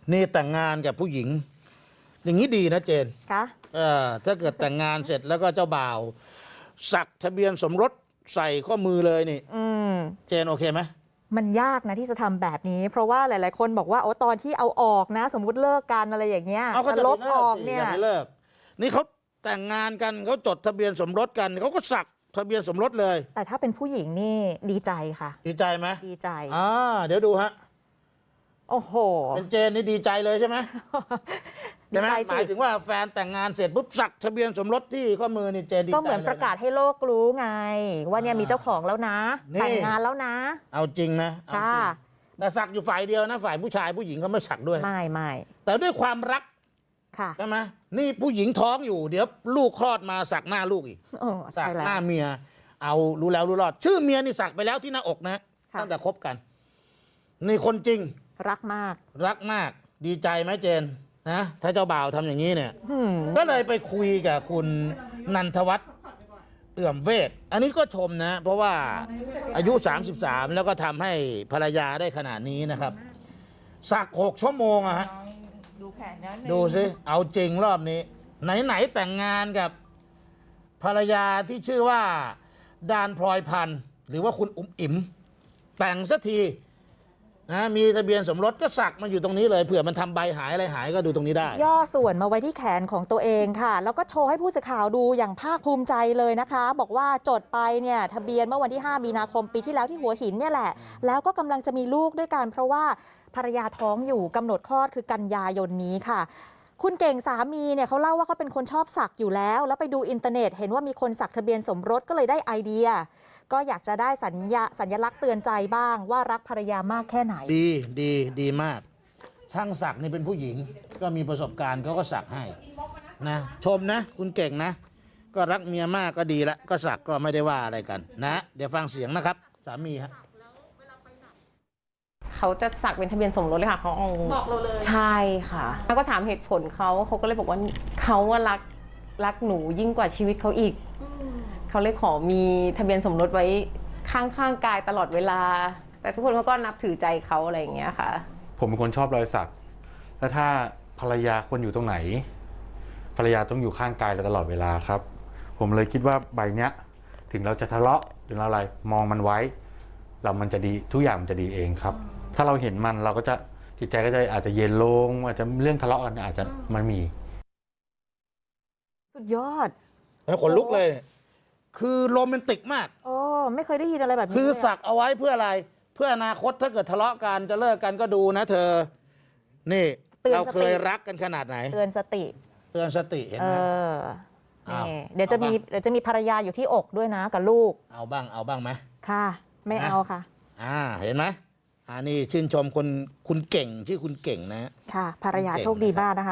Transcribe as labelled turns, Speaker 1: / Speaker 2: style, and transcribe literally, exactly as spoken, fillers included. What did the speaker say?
Speaker 1: นี่แต่งงานกับผู้หญิง อย่างนี้ดีนะเจน
Speaker 2: คะ
Speaker 1: เออถ้าเกิดแต่งงานเสร็จแล้วก็เจ้าบ่าว สักทะเบียนสมรสใส่ข้อมือเลยนี่
Speaker 2: อืม
Speaker 1: เจนโอเคไหม
Speaker 2: มันยากนะที่จะทำแบบนี้ เพราะว่าหลายๆคนบอกว่าโอ้ตอนที่เอาออกนะ สมมุติเลิกกันอะไรอย่างเงี้ย
Speaker 1: เอาก็
Speaker 2: จะ
Speaker 1: จะ
Speaker 2: ล
Speaker 1: ล
Speaker 2: บบ ออกเนี่ย
Speaker 1: ไม่เลิกนี่เขาแต่งงานกันเขาจดทะเบียนสมรสกันเขาก็สักทะเบียนสมรสเลย
Speaker 2: แต่ถ้าเป็นผู้หญิงนี่ดีใจค่ะ
Speaker 1: ดีใจไหม
Speaker 2: ดีใจ
Speaker 1: อ่าเดี๋ยวดูฮะ
Speaker 2: โอ้โห
Speaker 1: เป็นเจนนี่ดีใจเลยใช่ไหม
Speaker 2: ดี
Speaker 1: ใช่ไหม
Speaker 2: ใจ
Speaker 1: หมาย
Speaker 2: สิ
Speaker 1: ถึงว่าแฟนแต่งงานเสร็จปุ๊บสักทะเบียนสมรสที่ข้อมือนี่เจนดีใจ
Speaker 2: ก็เหมือนประกาศให้โลกรู้ไง ว่าเนี่ยมีเจ้าของแล้วนะ
Speaker 1: นี่
Speaker 2: แต่งงานแล้วนะ
Speaker 1: เอาจริงนะเอาจริ
Speaker 2: ค่ะ
Speaker 1: งแต่สักอยู่ฝ่ายเดียวนะฝ่ายผู้ชายผู้หญิงเขาไม่สักด้วย
Speaker 2: ไม่ไม่
Speaker 1: แต่ด้วยความรัก
Speaker 2: ค่ะ
Speaker 1: ใช่ไหมนี่ผู้หญิงท้องอยู่เดี๋ยวลูกคลอดมาสักหน้าลูกอีก
Speaker 2: โอ้
Speaker 1: สั
Speaker 2: ใช่
Speaker 1: ก
Speaker 2: แล้ว
Speaker 1: หน้าเมีย เอารู้แล้วรู้รอด ชื่อเมียนี่สักไปแล้วที่หน้าอกนะ
Speaker 2: ค่ะ
Speaker 1: ตั้งแต่คบกันนี่คนจริง
Speaker 2: รักมาก
Speaker 1: รักมากดีใจไหมเจนนะถ้าเจ้าบ่าวทำอย่างนี้เนี่ย
Speaker 2: หืม
Speaker 1: ก็เลยไปคุยกับคุณนันทวัฒน์เอื่อมเวทอันนี้ก็ชมนะ เพราะว่าอายุ สามสิบสาม แล้วก็ทำให้ภรรยาได้ขนาดนี้นะครับ สักหกชั่วโมงอะฮะ
Speaker 3: ดูแผนนั้น
Speaker 1: ดูสิเอาจริงรอบนี้ ไหน ๆ แต่งงานกับภรรยาที่ชื่อว่าดานพลอยพันธ์หรือว่าคุณอุ๋มอิ๋มแต่งสักทีนะมีทะเบียนสมรสก็สักมาอยู่ตรงนี้เลยเผื่อมันทำใบหายอะไรหายก็ดูตรงนี้ได้
Speaker 2: ย่อส่วนมาไว้ที่แขนของตัวเองค่ะ แล้วก็โชว์ให้ผู้สื่อข่าวดูอย่างภาคภูมิใจเลยนะคะ บอกว่าจดไปเนี่ยทะเบียนเมื่อวันที่ ห้า มีนาคมปีที่แล้วที่หัวหินเนี่ยแหละ แล้วก็กำลังจะมีลูกด้วยกันเพราะว่าภรรยาท้องอยู่กำหนดคลอดคือกันยายนนี้ค่ะ คุณเก่งสามีเนี่ยเขาเล่าว่าเขาเป็นคนชอบสักอยู่แล้ว แล้วไปดูอินเทอร์เน็ตเห็นว่ามีคนสักทะเบียนสมรสก็เลยได้ไอเดีย ก็อยากจะได้สัญญาสัญลักษณ์เตือนใจบ้างว่ารักภรรยามากแค่ไหน
Speaker 1: ดีดีดีมาก ช่างสักนี่เป็นผู้หญิง ก็มีประสบการณ์เขาก็สักให้นะชมนะ คุณเก่งนะ ก็รักเมียมากก็ดีละก็สักก็ไม่ได้ว่าอะไรกันนะ เดี๋ยวฟังเสียงนะครับ สามีฮะ
Speaker 3: เขาจะสักเป็นทะเบียนสมรสเลยค่ะเขาเอา
Speaker 4: บอกเราเลย
Speaker 3: ใช่ค่ะแล้วก็ถามเหตุผลเขาเขาก็เลยบอกว่าเขาว่ารักรักหนูยิ่งกว่าชีวิตเขาอีกเขาเลยขอมีทะเบียนสมรสไว้ข้างๆกายตลอดเวลา แต่ทุกคนเขาก็นับถือใจเขาอะไรอย่างเงี้ยค่ะ
Speaker 5: ผมเป็นคนชอบรอยสัก แล้วถ้าภรรยาควรอยู่ตรงไหน ภรรยาต้องอยู่ข้างกายเราตลอดเวลาครับ ผมเลยคิดว่าใบเนี้ย ถึงเราจะทะเลาะหรืออะไรมองมันไว้ เรามันจะดีทุกอย่างมันจะดีเองครับ ถ้าเราเห็นมันเราก็จะจิตใจก็จะอาจจะเย็นลงอาจจะเรื่องทะเลาะกันอาจจะมันมี
Speaker 2: สุดยอด
Speaker 1: แล้วขนลุกเลย คือโรแมนติกมาก
Speaker 2: โอ้ไม่เคยได้ยินอะไรแบบนี้
Speaker 1: คือ
Speaker 2: เลยะ
Speaker 1: สักเอาไว้เพื่ออะไร เพื่ออนาคตถ้าเกิดทะเลาะกันจะเลิกกันก็ดูนะเธอ นี่
Speaker 2: เตือน
Speaker 1: เรา
Speaker 2: สติ
Speaker 1: เคยรักกันขนาดไหน
Speaker 2: เตือนสติ
Speaker 1: เตือนสติเห็น
Speaker 2: เอ
Speaker 1: ไหม
Speaker 2: อ
Speaker 1: อ้าว
Speaker 2: นี่เดี๋ยวจะ
Speaker 1: เอามี
Speaker 2: มีเดี๋ยวจะมีภรรยาอยู่ที่อกด้วยนะกับลูก
Speaker 1: เอาบ้างเอาบ้างไหม
Speaker 2: ค่ะ ไม่
Speaker 1: นะ
Speaker 2: เอาค่ะ
Speaker 1: อ่าเห็นไหมอ่านี่ชื่นชมคนคุณเก่งชื่อคุณเก่งนะ
Speaker 2: ค่ะ ภรรยา
Speaker 1: เก่ง
Speaker 2: โชคดี
Speaker 1: นะครับ
Speaker 2: มากนะคะ